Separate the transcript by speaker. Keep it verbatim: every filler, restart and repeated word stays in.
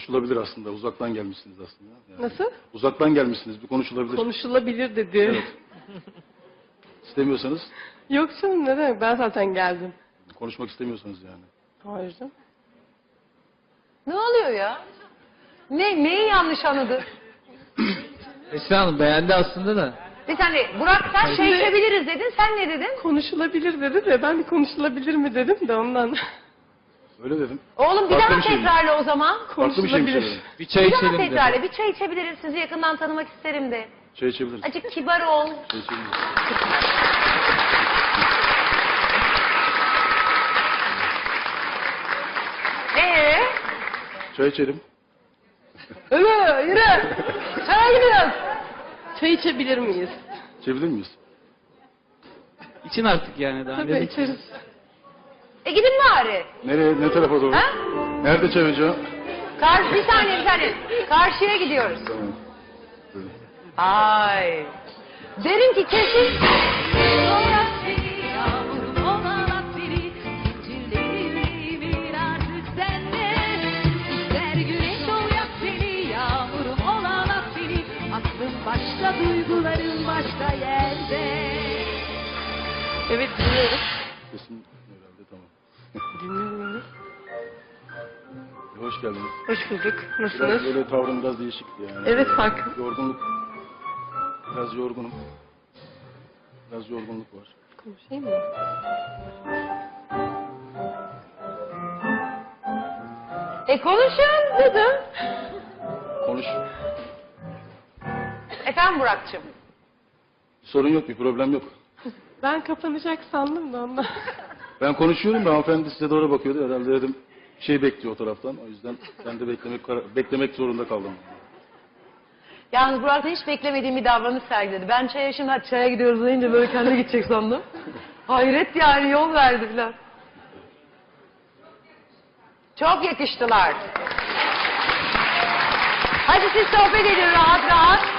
Speaker 1: konuşulabilir aslında. Uzaktan gelmişsiniz aslında. Yani
Speaker 2: Nasıl?
Speaker 1: uzaktan gelmişsiniz. Bir konuşulabilir.
Speaker 2: Konuşulabilir dedi.
Speaker 1: Evet. İstemiyorsanız,
Speaker 2: Yok canım ne demek, ben zaten geldim.
Speaker 1: konuşmak istemiyorsanız yani.
Speaker 2: Hayır canım.
Speaker 3: Ne oluyor ya? Ne, neyi yanlış anladı?
Speaker 4: Esra Hanım beğendi aslında da.
Speaker 3: Bir saniye, Burak sen şey içebiliriz dedin, sen ne dedin?
Speaker 2: Konuşulabilir dedi de ben de konuşulabilir mi dedim de ondan.
Speaker 1: Öyle dedim.
Speaker 3: Oğlum bir
Speaker 1: Farklı
Speaker 3: daha
Speaker 1: bir şey mi?
Speaker 3: tekrarla o zaman.
Speaker 1: Farklı bir şey mi
Speaker 2: Konuşulabilir.
Speaker 1: söyledim?
Speaker 4: Bir çay
Speaker 3: Bir daha
Speaker 4: içelim dedi.
Speaker 3: tekrarla, bir çay içebiliriz, sizi yakından tanımak isterim de.
Speaker 1: Çay içebiliriz.
Speaker 3: Azıcık kibar ol.
Speaker 1: Çay içebiliriz.
Speaker 3: Ee?
Speaker 1: Çay içelim.
Speaker 3: Yürü, yürü. Çaya gidiyoruz.
Speaker 2: Çay içebilir miyiz?
Speaker 1: İçebilir miyiz?
Speaker 4: İçin artık yani daha.
Speaker 2: Tabii
Speaker 4: ne-
Speaker 2: içeriz.
Speaker 3: E gidin bari.
Speaker 1: Nereye, ne tarafa doğru?
Speaker 3: Ha?
Speaker 1: Nerede çay ocağı?
Speaker 3: Karşı, bir saniye, bir saniye. Karşıya gidiyoruz.
Speaker 1: Tamam. Buyurun.
Speaker 3: Ay. Derim ki kesin.
Speaker 5: Başka duygularım başka yerde.
Speaker 2: Evet dinliyorum.
Speaker 1: Kesin herhalde tamam.
Speaker 2: Dinliyorum.
Speaker 1: Hoş geldiniz.
Speaker 2: Hoş bulduk.
Speaker 1: Biraz
Speaker 2: Nasılsınız?
Speaker 1: böyle tavrım biraz değişikti yani.
Speaker 2: Evet fark.
Speaker 1: Yorgunluk. Biraz yorgunum. Biraz yorgunluk var.
Speaker 2: Konuşayım mı?
Speaker 3: E konuşun dedim.
Speaker 1: Konuş.
Speaker 3: Efendim Burak'cığım.
Speaker 1: Sorun yok, bir problem yok.
Speaker 2: Ben kapanacak sandım da ondan.
Speaker 1: Ben konuşuyorum da hanımefendi size doğru bakıyordu. Herhalde dedim bir şey bekliyor o taraftan. O yüzden ben de beklemek beklemek zorunda kaldım.
Speaker 3: Yalnız Burak'ta hiç beklemediğim bir davranış sergiledi. Ben çaya şimdi hadi çaya gidiyoruz deyince böyle kendi gidecek sandım. Hayret yani, yol verdi filan. Çok yakıştılar. Hadi siz sohbet edin rahat rahat.